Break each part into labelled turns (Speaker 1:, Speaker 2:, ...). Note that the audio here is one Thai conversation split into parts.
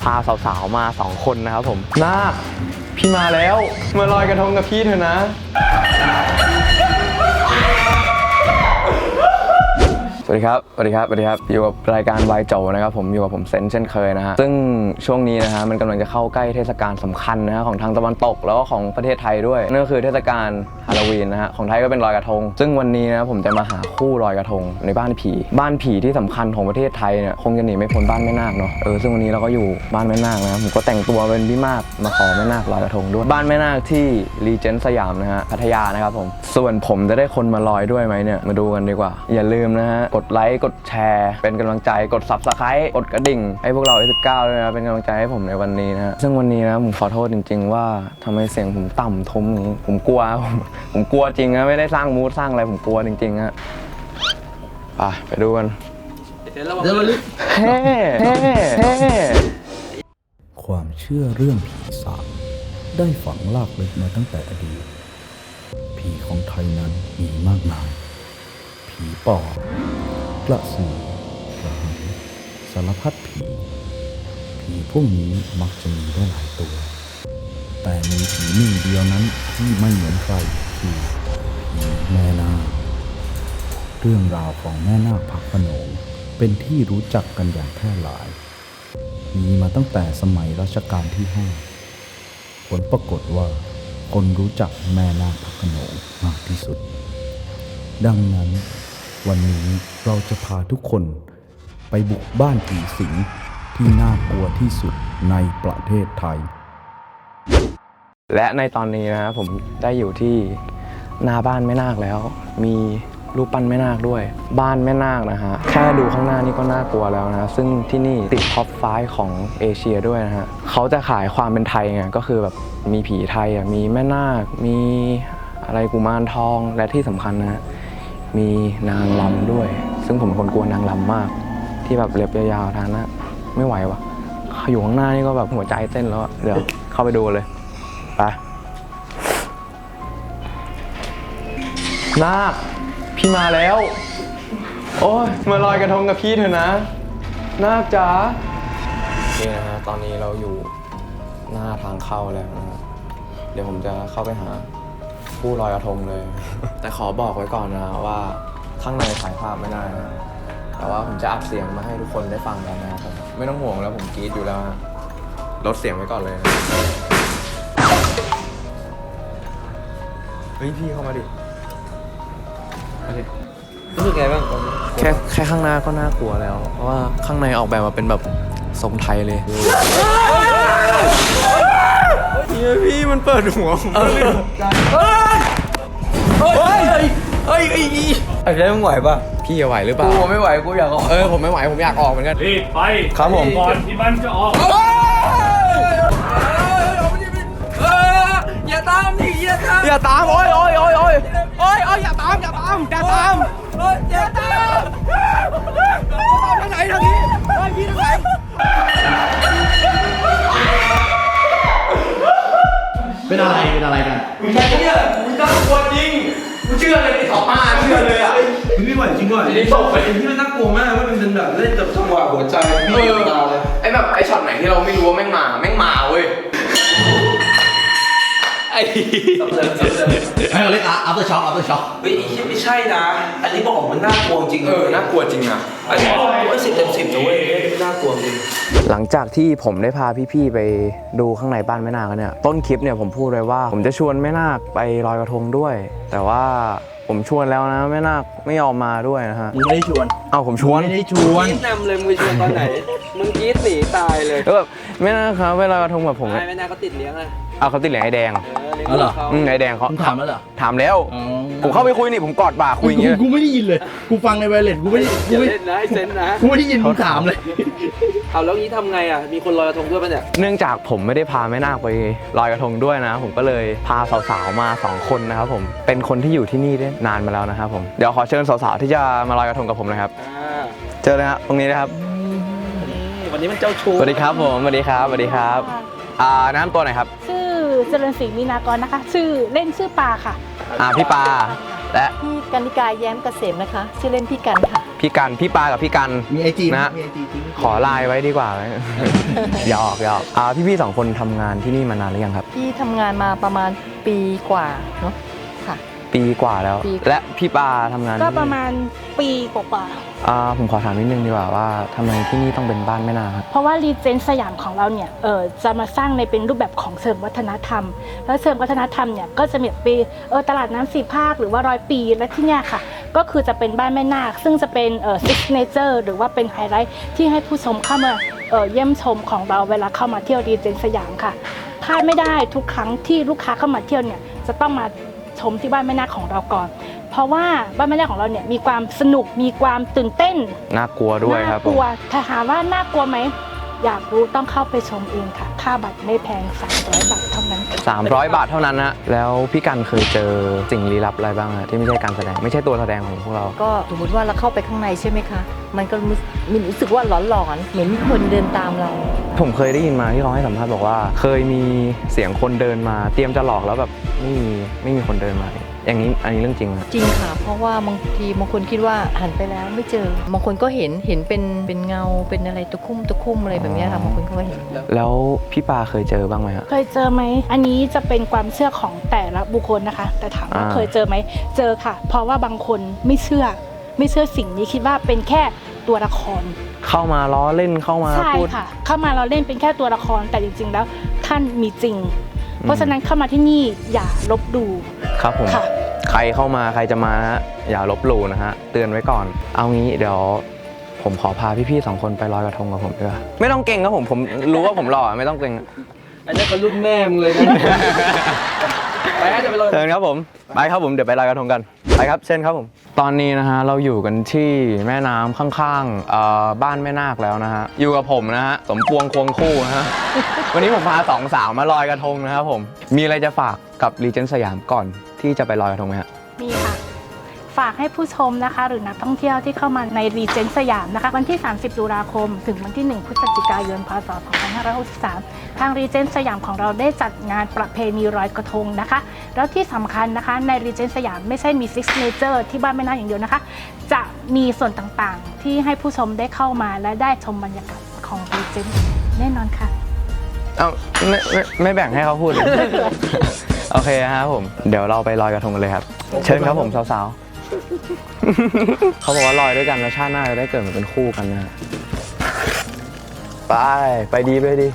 Speaker 1: าสาวๆมา2คนนะครับผมนาคพี่มาแล้วมาลอยกระทงกับพี่เถอะนะสวัสดีครับอยู่กับรายการวายโจนะครับผมอยู่กับผมเซนเช่นเคยนะฮะซึ่งช่วงนี้นะฮะมันกำลังจะเข้าใกล้เทศกาลสำคัญนะฮะของทางตะวันตกแล้วก็ของประเทศไทยด้วยนั่นก็คือเทศกาลฮาโลวีนนะฮะของไทยก็เป็นลอยกระทงซึ่งวันนี้นะผมจะมาหาคู่ลอยกระทงในบ้านผีที่สำคัญของประเทศไทยเนี่ยคงจะหนีไม่พ้นบ้านแม่นาคเนาะซึ่งวันนี้เราก็อยู่บ้านแม่นาคนะผมก็แต่งตัวเป็นพี่มากมาขอแม่นาคลอยกระทงด้วยบ้านแม่นาคที่รีเจนต์สยามนะฮะพัทยานะครับผมส่วนผมจะได้คนมาลอยด้วยไหมเนี่ยมาดูกันดีกว่าอย่าลืมนะฮะกดไลค์กดแชร์เป็นกำลังใจกด Subscribe กดกระดิ่งให้พวกเรา19ด้วยนะเป็นกำลังใจให้ผมในวันนี้นะซึ่งวันนี้นะผมขอโทษจริงๆว่าทำไมเสียงผมต่ำทุ้มอย่างนี้ผมกลัวจริงนะไม่ได้สร้างมูดสร้างอะไรผมกลัวจริงๆฮะไปดูกันเฮ้
Speaker 2: ความเชื่อเรื่องผีสางได้ฝังลากลึกมาตั้งแต่อดีตผีของไทยนั้นมีมากมายผีปอบกระสือกระหังสารพัดผีพวกนี้มักจะมีได้หลายตัวแต่มีผีหนึ่งเดียวนั้นที่ไม่เหมือนใครคือผีแม่นาคเรื่องราวของแม่นาคพระโขนงเป็นที่รู้จักกันอย่างแพร่หลายมีมาตั้งแต่สมัยรัชกาลที่5ผลปรากฏว่าคนรู้จักแม่นาคพระโขนงมากที่สุดดังนั้นวันนี้เราจะพาทุกคนไปบุกบ้านผีสิงที่น่ากลัวที่สุดในประเทศไทย
Speaker 1: และในตอนนี้นะผมได้อยู่ที่หน้าบ้านแม่นาคแล้วมีรูปปั้นแม่นาคด้วยบ้านแม่นาคนะฮะแค่ดูข้างหน้านี่ก็น่ากลัวแล้วนะซึ่งที่นี่ติดท็อป5ของเอเชียด้วยนะฮะเขาจะขายความเป็นไทยไงก็คือแบบมีผีไทยมีแม่นาคมีอะไรกุมารทองและที่สำคัญนะมีนางรำด้วยซึ่งผมเป็นคนกลัวนางรำมากที่แบบเล็บยาวๆทางนั้นไม่ไหววะอยู่ข้างหน้านี่ก็แบบหัวใจเต้นแล้วเดี๋ยวเข้าไปดูเลยไปนาคพี่มาแล้วโอ้ยมาลอยกระทงกับพี่เถอะนะนาคจ๋านี่นะฮะตอนนี้เราอยู่หน้าทางเข้าแล้วนะเดี๋ยวผมจะเข้าไปหาผู้ลอยกระทงเลย แต่ขอบอกไว้ก่อนนะว่าข้างในถ่ายภาพไม่ได้นะแต่ว่าผมจะอัดเสียงมาให้ทุกคนได้ฟังกันนะครับไม่ต้องห่วงแล้วผมกรี๊ดอยู่แล้วลดเสียงไว้ก่อนเลยนะเฮ้ยพี่เข้ามาดิ
Speaker 3: รู้สึกไงบ้าง
Speaker 1: แค่ข้างหน้าก็น่ากลัวแล้วเพราะว่าข้างในออกแบบมาเป็นแบบทรงไทยเลยพี่มันเปิดหัวผม
Speaker 3: ไอ้เรื่องไหวป่ะ
Speaker 1: พี่จะไหวหรือเปล่า
Speaker 3: กูไม่ไหวกูอยากออก
Speaker 1: ผมไม่ไหวผมอยากออกเหมือนกัน
Speaker 4: รีบไป
Speaker 1: ครับผม
Speaker 4: ก่อนที่มันจะออก
Speaker 3: อย่าตามดิ
Speaker 1: อย่าตามโอ้ยอย่าตาม
Speaker 3: อย่าตามทางไหนทางนี้พี่ทางไหน
Speaker 4: เป็นอะไรกัน
Speaker 3: มึงใช่เนี่ยมึงน่ากลัวจริงกูเชื่อเลยไอ้25เชื่อเลยอ่ะมึงไม่ไหวจริงก่อนไอ้ตกไปที่มันน่ากลัวมากว่ามันเป็นแบบเล่นกับจังหวะหัวใจ
Speaker 1: ไอ้แบบไอ้ช็อตไหนที่เราไม่รู้ว่าแม่งมาเว้ย
Speaker 4: เราเรียกafter shock
Speaker 3: เฮ้ยไม่ใช่นะอันนี้บอกมันน่ากลัวจริง
Speaker 1: น่ากลัวจริงอ่ะ
Speaker 3: อันนี้บอก10 เต็ม 10นะเว้ยน่ากลัวจริง
Speaker 1: หลังจากที่ผมได้พาพี่ๆไปดูข้างในบ้านแม่นาคเนี่ยต้นคลิปเนี่ยผมพูดเลยว่าผมจะชวนแม่นาคไปลอยกระทงด้วยแต่ว่าผมชวนแล้วนะแม่นาคไม่ยอมมาด้วยนะฮะ
Speaker 3: มึงไม่ได้ชวน
Speaker 1: ผมชวน
Speaker 3: ไม่ได้ชวนกรี๊ดนำเลยมึงชวนตอนไหนมึงกรี๊ดหนีตายเลย
Speaker 1: แล้วแบบแม่นาคครับเวลากระทงแบบผม
Speaker 3: แม่นาคเขาติดเลี้ยงเลย
Speaker 1: เขาติดเหรียญไอ้แดง
Speaker 3: เหรอ
Speaker 1: ไอ้แดงเขา
Speaker 4: ถามแล้วเหรอ
Speaker 1: ถามแล้วผมเข้าไปคุยนี่ผมกอดบ่าคุยอย่างเงี้ย
Speaker 4: กูไม่ได้ยินเลยกูฟังในไวเลสกูไม่ได้
Speaker 3: เล่นนะไอ้เซนนะ
Speaker 4: กูไม่ได้ยินมึงถามเลย
Speaker 3: เอาแล้วนี้ทำไงอ่ะมีคนลอยกระทงด้วยป่ะเนี่ย
Speaker 1: เนื่องจากผมไม่ได้พาแม่นาคไปลอยกระทงด้วยนะผมก็เลยพาสาวๆมา2คนนะครับผมเป็นคนที่อยู่ที่นี่ได้นานมาแล้วนะครับผมเดี๋ยวขอเชิญสาวๆที่จะมาลอยกระทงกับผมนะครับเจอเลยครับตรงนี้นะครับ
Speaker 3: วันนี้มันเจ้าชู้
Speaker 1: สวัสดีครับผมสวัสดีครับน้ำตัวไหนครับ
Speaker 5: ชื่อเจริญศรีมีนากรนะคะชื่อเล่นชื่อปาค่ะ
Speaker 1: พี่ปาและ
Speaker 5: พี่กนิกาแย้มเกษมนะคะชื่อเล่นพี่กันค่ะ
Speaker 1: พี่กันพี่ปากับพี่กัน
Speaker 4: มีไอจี
Speaker 1: นะ
Speaker 4: มีไอจีจริง
Speaker 1: ขอไลน์ไว้ดีกว่าไหม หยอกพี่ๆ2 คนทำงานที่นี่มานานหรือยังครับ
Speaker 6: พี่ทำงานมาประมาณปีกว่าเนาะค่ะ
Speaker 1: ปีกว่าแล้ว
Speaker 6: ปี
Speaker 1: และพี่ปาทำงาน
Speaker 5: ก็
Speaker 1: ที่นี่
Speaker 5: ประมาณปีกว่า
Speaker 1: ผมขอถามนิดนึงดีกว่าว่าทำไมที่นี่ต้องเป็นบ้านแม่นาคครับ
Speaker 5: ๆเพราะว่ารีเจนสยามของเราเนี่ยจะมาสร้างในเป็นรูปแบบของเชิงวัฒนธรรม แล้วเชิงวัฒนธรรมเนี่ยก็จะมีปีตลาดน้ำ4 ภาคหรือว่า100 ปีและที่เนี่ยค่ะก็คือจะเป็นบ้านแม่นาคซึ่งจะเป็นซิกเนเจอร์หรือว่าเป็นไฮไลท์ที่ให้ผู้ชมเข้ามาเยี่ยมชมของเราเวลาเข้ามาเที่ยวรีเจนสยามค่ะพลาดไม่ได้ทุกครั้งที่ลูกค้าเข้ามาเที่ยวเนี่ยจะต้องมาชมที่บ้านแม่นาคของเราก่อน เพราะว่าบ้านแม่นาคของเราเนี่ยมีความสนุกมีความตื่นเต้น
Speaker 1: น่ากลัวด้วยครับ
Speaker 5: น่ากลัวถ้าถามว่าน่ากลัวไหมอยากรู้ต้องเข้าไปชมเองค่ะค่าบัตรไม่แพง300 บาทเท่านั้นค่ะ
Speaker 1: 300 บาทเท่านั้นนะแล้วพี่กันเคยเจอสิ่งลี้ลับอะไรบ้างฮะที่ไม่ใช่การแสดงไม่ใช่ตัวแสดงของพวกเรา
Speaker 6: ก็สมมติว่าเราเข้าไปข้างในใช่ไหมคะ มันก็รู้สึกว่าหลอนๆเหมือนมีคนเดินตามเรา
Speaker 1: ผมเคยได้ยินมาที่เขาให้สัมภาษณ์บอกว่า เคยมีเสียงคนเดินมาเตรียมจะหลอกแล้วแบบไม่มีคนเดินมาอย่างนี้อันนี้เรื่องจริงไหม
Speaker 6: จริงค่ะ เพราะว่าบางทีบางคนคิดว่าหันไปแล้วไม่เจอบางคนก็เห็นเป็นเงาเป็นอะไรตะคุ่มอะไรแบบเนี้ยค่ะบางคนก็เห็น
Speaker 1: แล้วพี่ปาเคยเจอบ้างไหมฮะ
Speaker 5: เคยเจอไหมอันนี้จะเป็นความเชื่อของแต่ละบุคคลนะคะ แต่ถามว่าเคยเจอไหมเจอค่ะ เพราะว่าบางคนไม่เชื่อสิ่งนี้คิดว่าเป็นแค่ตัวละคร
Speaker 1: เข้ามาล้อเล่นเข้ามา
Speaker 5: ใช่
Speaker 1: พูด
Speaker 5: ค่ะ เข้ามาเราเล่นเป็นแค่ตัวละครแต่จริงๆแล้วท่านมีจริง เพราะฉะนั้นเข้ามาที่นี่อย่าลบดู
Speaker 1: ครับผม
Speaker 5: ค่ะ
Speaker 1: ใครเข้ามาใครจะมาฮะอย่าลบหลู่นะฮะเตือนไว้ก่อน เอางี้เดี๋ยวผมขอพาพี่ๆ2 คนไปลอยกระทงกับผมด้วยไม่ต้องเก่งครับผมรู้ว่าผมหล่อไม่ต้องเก่ง
Speaker 3: อันนี้เป็นรุ่นแม่มึงเลยนะ ไปฮะจะไปลอย
Speaker 1: เชิญครับผมไปครับผมเดี๋ยวไปลอยกระทงกันไปครับเช่นครับผมตอนนี้นะฮะเราอยู่กันที่แม่น้ำข้างๆบ้านแม่นาคแล้วนะฮะอยู่กับผมนะฮะสมปวงควงคู่นะฮะ วันนี้ผมพา2 สาวมาลอยกระทงนะครับผมมีอะไรจะฝากกับรีเจนสยามก่อนที่จะไปลอยกระทงไหมฮะ
Speaker 5: มีค่ะ ฝากให้ผู้ชมนะคะ หรือนักท่องเที่ยวที่เข้ามาในรีเจนสยามนะคะวันที่ 30 ตุลาคม ถึงวันที่ 1 พฤศจิกายน พศ 2563 ทางรีเจนสยามของเราได้จัดงานประเพณีลอยกระทงนะคะ แล้วที่สำคัญนะคะในรีเจนสยามไม่ใช่มีซิกเนเจอร์ที่บ้านแม่นาคอย่างเดียวนะคะ จะมีส่วนต่างๆ ที่ให้ผู้ชมได้เข้ามาและได้ชมบรรยากาศของรีเจนแน่นอนค่ะ
Speaker 1: เอ้าไม่แบ่งให้เขาพูดเลย โอเคครับผมเดี๋ยวเราไปลอยกระทงกันเลยครับ เชิญครับผมสาวๆ เขาบอกว่าลอยด้วยกันแล้วชาติหน้าจะได้เกิดมาเป็นคู่กันนะไปดีไปดี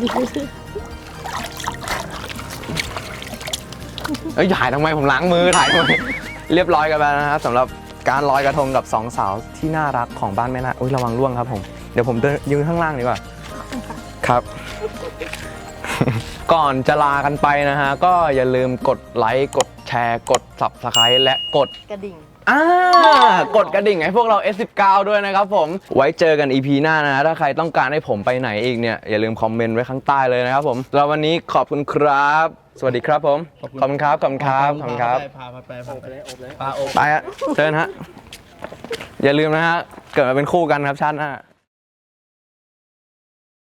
Speaker 1: เอ้ยถ่ายทำไมผมล้างมือถ่ายทำไมเรียบร้อยกันไปนะครับสำหรับการลอยกระทงกับ2 สาวที่น่ารักของบ้านแม่นาคอุ๊ยระวังร่วงครับผมเดี๋ยวผมเดินยืนข้างล่างดีกว่าครับ ก่อนจะลากันไปนะฮะก็อย่าลืมกดไลค์กดแชร์กด Subscribe และกด
Speaker 6: กระดิ่ง
Speaker 1: กดกระดิ่งให้พวกเรา S19 ด้วยนะครับผมไว้เจอกัน EP หน้านะถ้าใครต้องการให้ผมไปไหนอีกเนี่ยอย่าลืมคอมเมนต์ไว้ข้างใต้เลยนะครับผมแล้ววันนี้ขอบคุณครับ สวัสดีครับผมขอบคุณครับขอบคุณครับขอบคุณครับ
Speaker 4: พาไป
Speaker 1: ไปฮะเชิญฮะอย่าลืมนะฮะเกิดมาเป็นคู่กันครับชาติหน้า